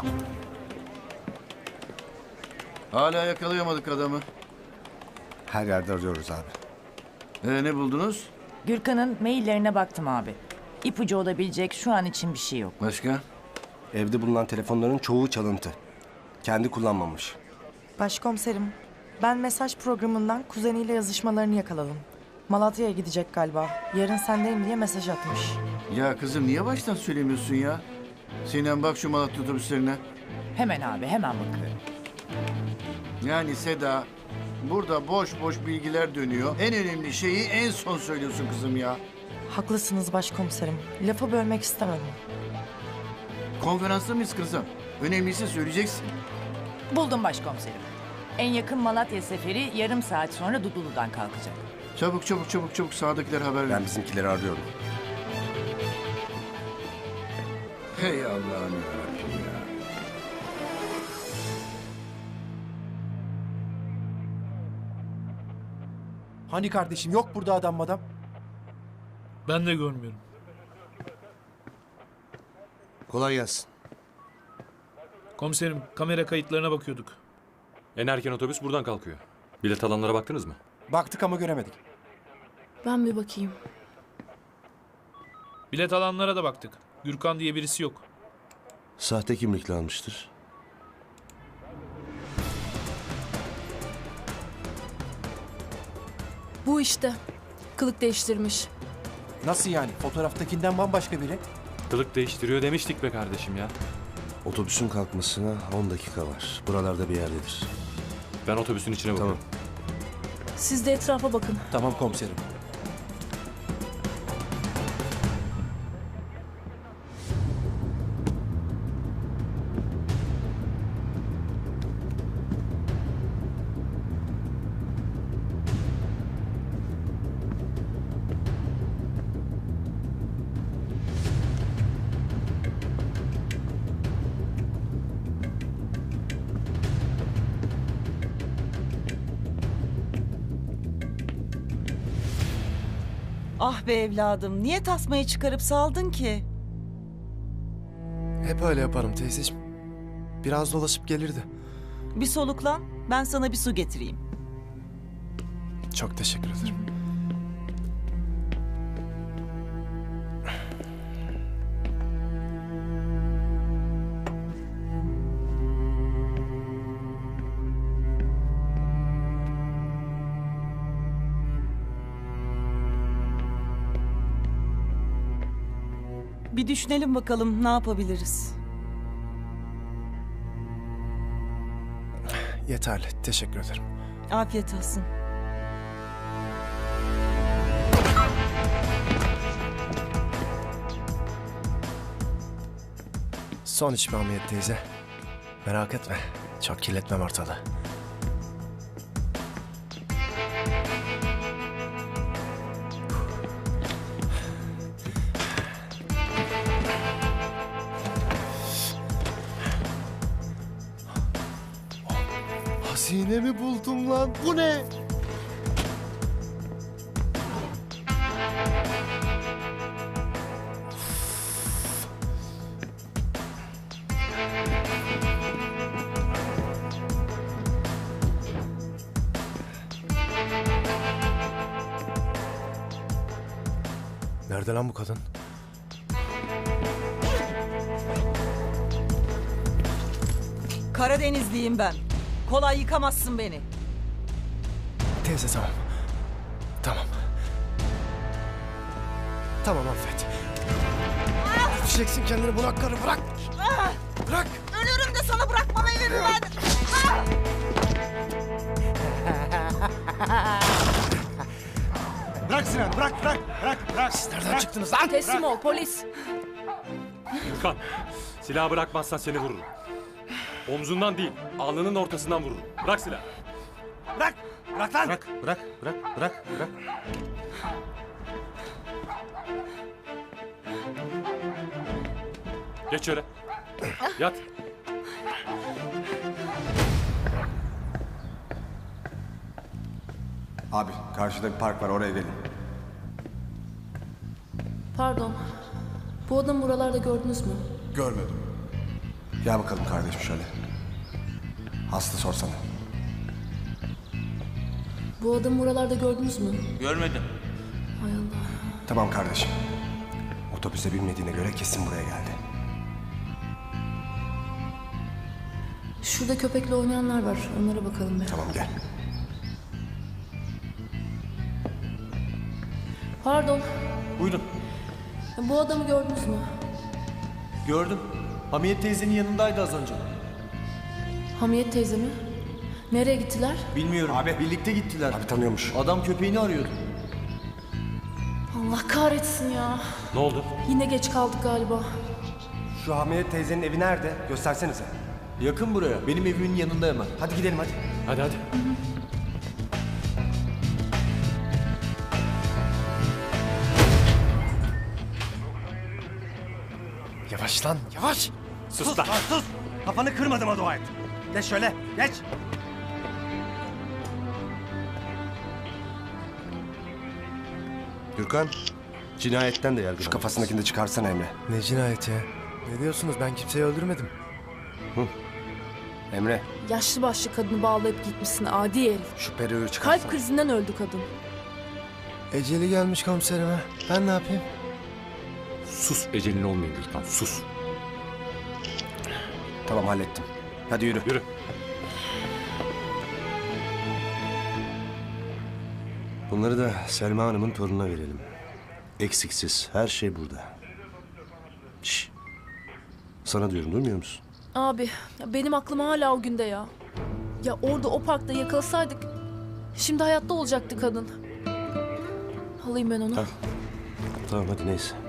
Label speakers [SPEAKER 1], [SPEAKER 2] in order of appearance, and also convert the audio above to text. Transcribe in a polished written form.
[SPEAKER 1] Hala yakalayamadık adamı.
[SPEAKER 2] Her yerde arıyoruz abi.
[SPEAKER 1] Ne buldunuz?
[SPEAKER 3] Gürkan'ın maillerine baktım abi. İpucu olabilecek şu an için bir şey yok.
[SPEAKER 1] Başka?
[SPEAKER 2] Evde bulunan telefonların çoğu çalıntı. Kendi kullanmamış.
[SPEAKER 4] Başkomiserim, ben mesaj programından kuzeniyle yazışmalarını yakaladım. Malatya'ya gidecek galiba. Yarın sendeyim diye mesaj atmış.
[SPEAKER 1] Ya kızım niye baştan söylemiyorsun ya? Sinem bak şu Malatya otobüslerine.
[SPEAKER 3] Hemen abi, hemen bakıyorum.
[SPEAKER 1] Yani Seda, burada boş boş bilgiler dönüyor. En önemli şeyi en son söylüyorsun kızım ya.
[SPEAKER 4] Haklısınız başkomiserim. Lafı bölmek istemedim.
[SPEAKER 1] Konferansta mıyız kızım? Önemlisi söyleyeceksin.
[SPEAKER 3] Buldum başkomiserim. En yakın Malatya seferi yarım saat sonra Dudullu'dan kalkacak.
[SPEAKER 1] Çabuk çabuk çabuk çabuk sağdakiler haber ver.
[SPEAKER 2] Ben bizimkileri arıyorum.
[SPEAKER 1] Hey Allah'ım yarabbim ya.
[SPEAKER 5] Hani kardeşim yok burada adam madam.
[SPEAKER 6] Ben de görmüyorum.
[SPEAKER 2] Kolay gelsin.
[SPEAKER 6] Komiserim, kamera kayıtlarına bakıyorduk.
[SPEAKER 7] En erken otobüs buradan kalkıyor. Bilet alanlara baktınız mı?
[SPEAKER 5] Baktık ama göremedik.
[SPEAKER 8] Ben bir bakayım.
[SPEAKER 6] Bilet alanlara da baktık. Gürkan diye birisi yok.
[SPEAKER 9] Sahte kimlikle almıştır.
[SPEAKER 8] Bu işte. Kılık değiştirmiş.
[SPEAKER 5] Nasıl yani? Fotoğraftakinden bambaşka biri.
[SPEAKER 7] Kılık değiştiriyor demiştik be kardeşim ya.
[SPEAKER 9] Otobüsün kalkmasına 10 dakika var. Buralarda bir yerdedir.
[SPEAKER 7] Ben otobüsün içine
[SPEAKER 9] Tamam.
[SPEAKER 7] bakıyorum.
[SPEAKER 8] Siz de etrafa bakın.
[SPEAKER 5] Tamam komiserim.
[SPEAKER 10] Ah be evladım, niye tasmayı çıkarıp saldın ki?
[SPEAKER 5] Hep öyle yaparım teyzeciğim. Biraz dolaşıp gelirdi.
[SPEAKER 10] Bir soluklan, ben sana bir su getireyim.
[SPEAKER 5] Çok teşekkür ederim.
[SPEAKER 10] Bir düşünelim bakalım ne yapabiliriz.
[SPEAKER 5] Yeterli. Teşekkür ederim.
[SPEAKER 10] Afiyet olsun.
[SPEAKER 5] Son içme Hamiyet teyze. Merak etme. Çok kirletmem ortalığı. Hazine mi buldum lan? Bu ne? Nerede lan bu kadın?
[SPEAKER 10] Karadenizliyim ben. Kolay yıkamazsın beni.
[SPEAKER 5] Teyze tamam. Tamam. Tamam affet. Düşeceksin kendini bunak karı bırak. Bırak.
[SPEAKER 10] Ölürüm de sana bırakmam evimi ben.
[SPEAKER 2] Bırak Sinan, bırak.
[SPEAKER 5] Siz nereden çıktınız lan?
[SPEAKER 8] Teslim ol polis.
[SPEAKER 7] Gürkan, silahı bırakmazsan seni vururum. Omzundan değil, alnının ortasından vururum. Bırak silahı.
[SPEAKER 2] Bırak lan.
[SPEAKER 9] Bırak.
[SPEAKER 7] Geç şöyle. Yat.
[SPEAKER 2] Abi karşıda bir park var, oraya gelin.
[SPEAKER 8] Pardon. Bu adamı buralarda gördünüz mü?
[SPEAKER 2] Görmedim. Gel bakalım kardeşim şöyle. Aslı sorsana.
[SPEAKER 8] Bu adamı buralarda gördünüz mü?
[SPEAKER 11] Görmedim.
[SPEAKER 8] Hay Allah.
[SPEAKER 2] Tamam kardeşim. Otobüse binmediğine göre kesin buraya geldi.
[SPEAKER 8] Şurada köpekle oynayanlar var. Onlara bakalım be.
[SPEAKER 2] Tamam gel.
[SPEAKER 8] Pardon.
[SPEAKER 11] Buyurun.
[SPEAKER 8] Bu adamı gördünüz mü?
[SPEAKER 11] Gördüm. Hamiyet teyzenin yanındaydı az önce.
[SPEAKER 8] Hamiyet teyze mi? Nereye gittiler?
[SPEAKER 11] Bilmiyorum. Abi. Birlikte gittiler.
[SPEAKER 2] Abi tanıyormuş.
[SPEAKER 11] Adam köpeğini arıyordu.
[SPEAKER 8] Allah kahretsin ya.
[SPEAKER 7] Ne oldu?
[SPEAKER 8] Yine geç kaldık galiba.
[SPEAKER 2] Şu Hamiyet teyzenin evi nerede? Göstersenize.
[SPEAKER 11] Yakın buraya. Benim evimin yanında hemen.
[SPEAKER 2] Hadi gidelim hadi.
[SPEAKER 7] Hadi hadi.
[SPEAKER 5] Yavaş lan yavaş.
[SPEAKER 7] Sus lan.
[SPEAKER 2] Sus! Kafanı kırmadığıma dua et. Geç şöyle, geç.
[SPEAKER 9] Gürkan, cinayetten de yargılandı.
[SPEAKER 2] Şu kafasındakini de çıkarsana Emre.
[SPEAKER 5] Ne cinayeti ya? Ne diyorsunuz, ben kimseyi öldürmedim.
[SPEAKER 2] Emre,
[SPEAKER 8] Yaşlı başlı kadını bağlayıp gitmişsin adi herif.
[SPEAKER 2] şu peruğu çıkarsana.
[SPEAKER 8] Kalp krizinden öldü kadın.
[SPEAKER 5] Eceli gelmiş komiserime. Ben ne yapayım?
[SPEAKER 7] Sus ecelin olmayın Gürkan sus.
[SPEAKER 2] Tamam hallettim. Hadi yürü.
[SPEAKER 7] Yürü.
[SPEAKER 9] Bunları da Selma Hanım'ın torununa verelim. Eksiksiz, her şey burada. Şş. Sana diyorum, duymuyor musun?
[SPEAKER 8] Abi ya benim aklım hala o günde ya. Ya orada o parkta yakalasaydık şimdi hayatta olacaktı kadın. Alayım ben onu.
[SPEAKER 9] Tamam hadi neyse.